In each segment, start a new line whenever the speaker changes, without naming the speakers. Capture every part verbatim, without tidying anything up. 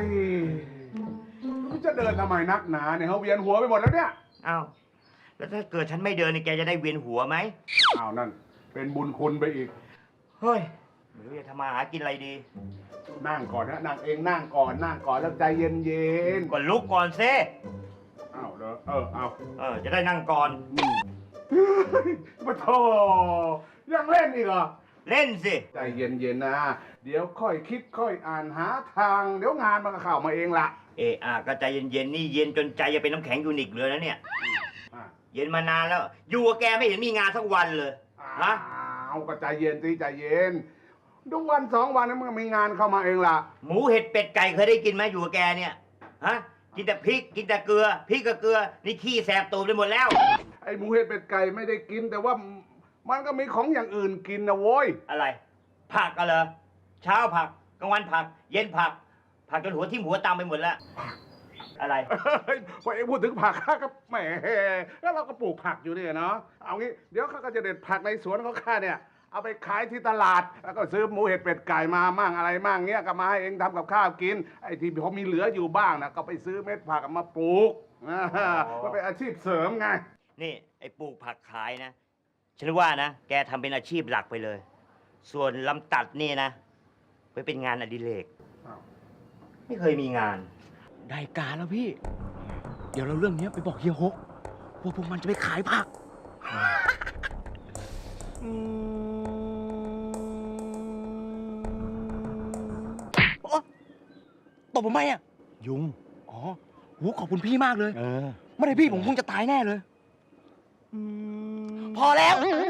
ยมันจะเดินทำไมนักหนาเนี่ยเขาเวียนหัวไปหมดแล้วเนี่ย
อ้าวแล้วถ้าเกิดฉันไม่เดินนี่แกจะได้เวียนหัวไหม
อ้าวนั่นเป็นบุญคุณไปอีก
เฮ้ยไม่รู้จะทำมาหากินอะไรดี
นั่งก่อนนะนั่งเองนั่งก่อนนั่งก่อนแล้วใจเย็นเย็น
ก่อนลุกก่อนเซ่
อ้าวเด้อเออเอา
เออจะได้นั่งก่อน
มาโธ่ยังเล่นอีกเหรอ
เล่นสิ
ใจเย็นเย็นนะเดี๋ยวค่อยคิดค่อยอ่านหาทางเดี๋ยวงานมันก็เข้ามาเองละ
เอออ่ะก็ใจเย็นๆนี่เย็นจนใจจะเป็นน้ำแข็งยูนิคเลยนะเนี่ย
อ่ะ
เย็นมานานแล้ว อยู่กับแกไม่เห็นมีงานสักวันเลยฮะ
อ้าวก็ใจเย็นสิใจเย็นดูวันสองวันนั้นมันก็มีงานเข้ามาเองล่ะ
หมูเห็ดเป็ดไก่เคยได้กินไหมอยู่กับแกเนี่ยฮะกินแต่พริกกินแต่เกลือพริกกับเกลือนี่ขี้แสบตูดไปหมดแล้ว
ไอ้หมูเห็ดเป็ดไก่ไม่ได้กิน แต่ว่ามันก็มีของอย่างอื่นกินนะโว้ย
อะไร ผักกันเหรอเช้าผักกลางวันผัก เย็นผัก ผักจนหัวทิ่มหัวตามไปหมดแล้ว อะไร
เฮ้ยพอเองพูดถึงผักข้าก็แหมแล้วเราก็ปลูกผักอยู่เนี่ยเนาะเอางี้เดี๋ยวข้าก็จะเด็ดผักในสวนของข้าเนี่ยเอาไปขายที่ตลาดแล้วก็ซื้อหมูเห็ดเป็ดไก่มามั่งอะไรมั่งเงี้ยก็มาให้เองทำกับข้าวกินไอ้ที่พอมีเหลืออยู่บ้างนะก็ไปซื้อเม็ดผักมาปลูกอ่ามันเป็นอาชีพเสริมไง
นี่ไอ้ปลูกผักขายนะ ฉันว่านะ แกทำเป็นอาชีพหลักไปเลย ส่วนลำตัดนี่นะไปเป็นงานอดิเรก
อ้าว
ไม่เคยมีงาน
ได้การแล้วพี่ เดี๋ยวเราเรื่องนี้ไปบอกเฮียฮกว่าพวกมันจะไปขายผักโอ๊ะตบผมไหมอ่ะ
ยุง
อ๋อโหขอบคุณพี่มากเลย
เออ
ไม่ได้พี่ผมคงจะตายแน่เลย พอแล้ว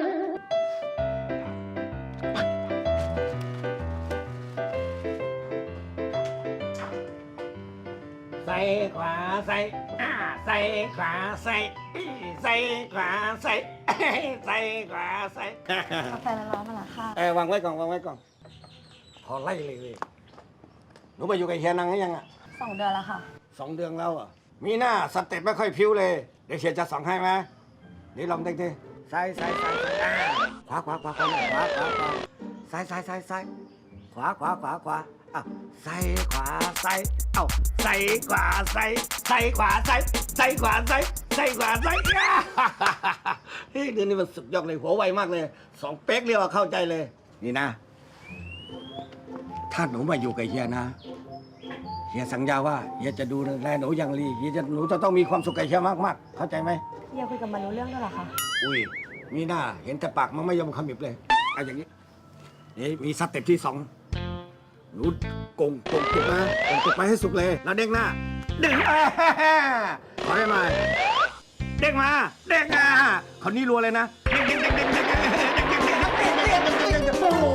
ใส่ขวาใส่อ่าใส่ขวาใส่อี้ใส่ขวาใส่เอ้ยใส่ขวาใส่
กาแฟร้อนๆมาละค่ะ
เออวางไว้ก่อนวางไว้ก่อนพอไล่เลยเลยหนูไปอยู่กับเฮียนังหรือยังอ่ะ
สองเดือนแล้วค่ะ
สองเดือนแล้วอ่ะมีหน้าสเต็ปไม่ค่อยพิ้วเลยเดี๋ยวเฮียจะสองให้ไหมนี่ลองเด็กดิใส่ใส่ใส่ใส่อ่าขวาขวาขวาขวาขวาขวาขวาใส่ใส่ใส่ใส่ขวาขวาขวาขวาอ้าวใส่ขวาใส่เอ้าใส่ขวาใส่ใส่ขวาใส่ใส่ขวาใส่ใส่ขวาใส่อ่าเฮ้ยเดือนนี้มันสุดยอดเลยหัวไวมากเลยสองเป๊กเรียกว่าเข้าใจเลย นี่นะ ถ้าหนูมาอยู่กับเฮียนะเฮียสัญญาว่าเฮียจะดูแลหนูอย่างดีเฮียจะหนูจะต้องมีความสุขกับเฮียมากๆเข้าใจไหม
เฮียคุยกับมันรู้เรื่องด้วยเหรอคะ
อุ้ยมีหน้าเห็นแต่ปากมันไม่ยอมขมิบเลยเอาอย่างนี้นี่มีสเต็ปที่สองหนูกงกงตุกนะกงตุกไปให้สุกเลย แล้วเด้งหน้าเด้งอ่าขอให้มาเด้งมาเด้งอ่าคราวนี้รัวเลยนะเด้งเด้งเด้งเด้งเด้งเด้งเด้งเด้งเด้งเด้งเด้งเด้งเด้งโอ้โห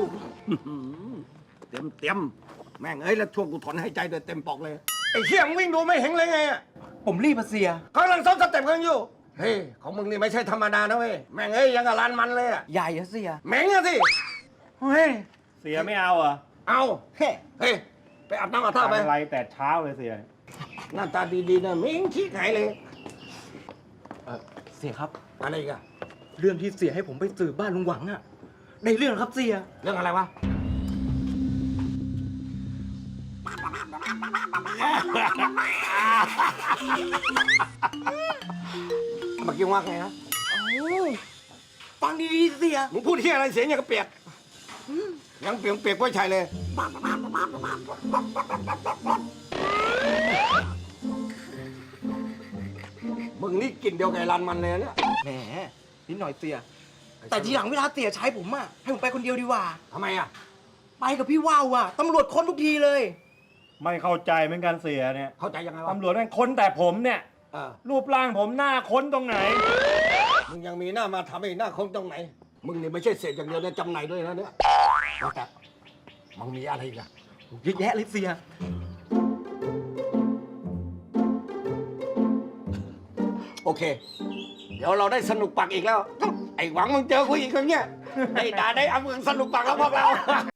เต็มเต็มแม่งเอ้ยแล้วช่วงกูถอนหายใจเดินเต็มปอกเลยไอ้เชี่ยมวิ่งดูไม่เห็นเลยไง
ผมรีบมาเสีย
เขากำลังซ้อมสเต็ปกันอยู่ เฮ้ย ของมึงนี่ไม่ใช่ธรรมดานะเว้ย แม่งเอ้ยยังกับลานมันเลยอะ
ใหญ่อะเสีย
แม่งอะสิ เฮ้ย
เสียไม่เอาเหรอ
เอาเฮ้ยเฮ้ย ไปอาบน้ำอาบท่าไป
อะไรแต่เช้าเลยเสีย
หน้าตาดีๆนะมิ้งขี้หายเลย
เออเสียครับ
อะไรอีกอะ
เรื่องที่เสียให้ผมไปสืบบ้านลุงหวังอะในเรื่องครับเสีย
เรื่องอะไรวะ เมื่อกี้ว่าไงนะ
ฟังดีๆเสีย
มึงพูดที่อะไรเสียงอย่างกระเปียก ยังเปียกเปียกไว้ชัยเลย มึงนี่กลิ่นเดียวกับไอ้รันมันเลยนะเนี่ย
แหมนิดหน่อยเสีย แต่ทีหลังเวลาเสียใช้ผมอะให้ผมไปคนเดียวดีกว่า
ทำไมอะ
ไปกับพี่ว่าวอะตำรวจค้นทุกทีเลย
ไม่เข้าใจเหมือนกันเสียเนี่ย
เข้าใจยังไงวะ
ตำรวจแม่งค้นแต่ผมเนี่ย
เออ
รูปร่างผมหน้าค้นตรงไหน
มึงยังมีหน้ามาทำให้หน้าคงตรงไหน มึงนี่ไม่ใช่เศษอย่างเดียวเนี่ยจำหน่ายด้วยนะเนี่ยว่าแต่มึงมีอะไรอีกอะ
เยอะแยะเลยเสีย
โอเค เดี๋ยวเราได้สนุกปากอีกแล้ว ไอ้หวังมึงเจอกูอีกคนเนี้ยได้ด่าได้เอามึงสนุกปากแล้วพวกเรา